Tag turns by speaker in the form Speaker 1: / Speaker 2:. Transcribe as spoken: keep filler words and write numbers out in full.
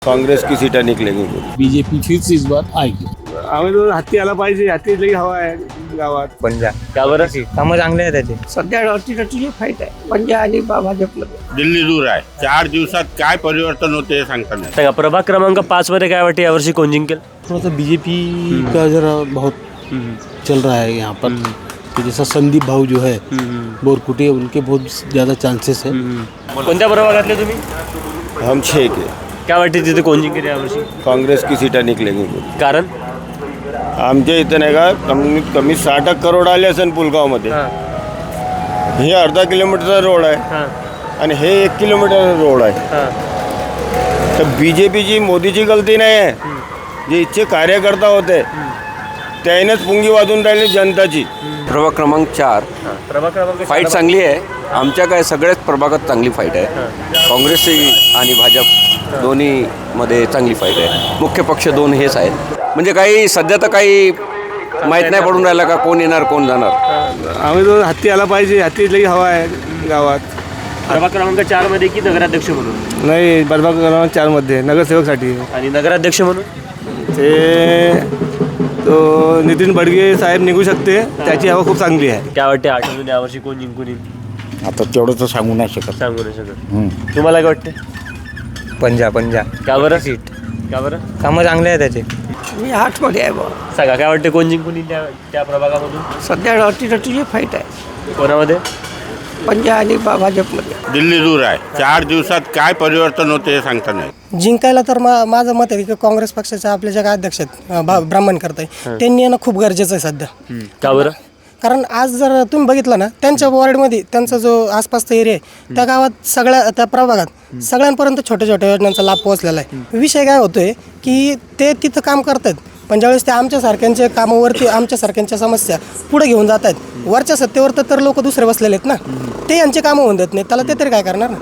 Speaker 1: कांग्रेस की सीटें निकलेंगी।
Speaker 2: बीजेपी फिर से इस बार आएगी।
Speaker 3: आम्ही तो हत्ती आला पाहिजे, हत्ती लई हवा आहे गावात.
Speaker 4: पंजा
Speaker 5: का बरं?
Speaker 4: कामं चांगले आहे त्याचे.
Speaker 6: सध्या अटीतटीची फाईट आहे पंजा आणि भाजपमध्ये.
Speaker 7: दिल्ली दूर आहे. चार दिवसात काय परिवर्तन होते हे सांगता नाही.
Speaker 5: सांगा प्रभाग क्रमांक पाच मध्ये काय वाटते यावर्षी कोण जिंकेल?
Speaker 2: थोड़ा सा बीजेपी का जरा बहुत चल रहा है यहाँ पर कि जैसा संदीप भाऊ जो है बोरकुटे, उनके बहुत ज़्यादा चांसेस है.
Speaker 5: कोणत्या प्रभागातले तुम्ही?
Speaker 1: हम छः के.
Speaker 5: काय वाटते तिथे कोण जिंकेल यावर्षी?
Speaker 1: कांग्रेस की सीटें निकलेंगी.
Speaker 5: कारण
Speaker 1: आमच्या इथं नाही का कमीत कमी साठ करोड आले असेल पुलगावमध्ये. हे अर्धा किलोमीटरचा रोड आहे आणि हे एक किलोमीटरचा रोड आहे. तर बी जे पीची मोदीची गलती नाही आहे. जे इच्छे कार्यकर्ता होते त्यानेच पुंगी वाजून राहिली जनताची.
Speaker 4: प्रभाग क्रमांक चार
Speaker 5: प्रभाग क्रमांक
Speaker 4: फाईट चांगली आहे. आमच्या काय सगळ्याच प्रभागात चांगली फाईट आहे. काँग्रेसची आणि भाजप दोन्ही मध्ये चांगली फाईट आहे. मुख्य पक्ष दोन हेच आहेत. म्हणजे काही सध्या तर काही माहीत नाही पडून राहिला का कोण येणार कोण जाणार.
Speaker 3: आम्ही तो हत्ती आला पाहिजे, हत्ती लई हवा आहे गावात.
Speaker 5: प्रभाग क्रमांक चार मध्ये की नगराध्यक्ष म्हणून?
Speaker 3: नाही, प्रभाग क्रमांक चार मध्ये नगरसेवकसाठी.
Speaker 5: आणि नगराध्यक्ष म्हणून
Speaker 3: ते तो नितीन बडगे साहेब निघू शकते, त्याची हवा खूप चांगली आहे.
Speaker 5: काय वाटते आठवून यावर्षी कोण जिंकून येईल?
Speaker 7: आता तेवढं तर सांगू नाही शकत.
Speaker 5: सांगू नाही शकत. तुम्हाला काय वाटते?
Speaker 4: पंजा पंजा
Speaker 5: का बरं? सीट का बरं?
Speaker 4: कामं चांगले आहे त्याचे.
Speaker 6: मी आठमध्ये आहे बघा.
Speaker 5: सांगा काय वाटते कोण जिंकून येईल त्या त्या प्रभागामधून?
Speaker 6: सध्या अटीतटीची फाईट आहे
Speaker 5: कोणामध्ये?
Speaker 6: पंजा आणि भाजपमध्ये.
Speaker 7: दिल्ली दूर आहे. चार दिवसात काय परिवर्तन होते हे सांगता नाही.
Speaker 8: जिंकायला तर मा माझं मत आहे की काँग्रेस पक्षाचे आपले जे काय अध्यक्ष आहेत भा- ब्राह्मण करताय त्यांनी येणं खूप गरजेचं आहे सध्या.
Speaker 5: का बरं?
Speaker 8: कारण आज जर तुम्ही बघितलं ना त्यांच्या वॉर्डमध्ये त्यांचा जो आसपासचा एरिया आहे त्या गावात सगळ्या त्या प्रभागात सगळ्यांपर्यंत छोट्या छोट्या योजनांचा लाभ पोहोचलेला आहे. विषय काय होतोय की ते तिथं काम करतात पण ज्यावेळेस ते आमच्यासारख्यांच्या कामावरती आमच्यासारख्यांच्या समस्या पुढे घेऊन जात आहेत वरच्या सत्तेवर तर लोक दुसरे बसलेले आहेत ना, ते यांचे कामं होऊन देत नाहीत. त्याला ते तरी काय करणार ना.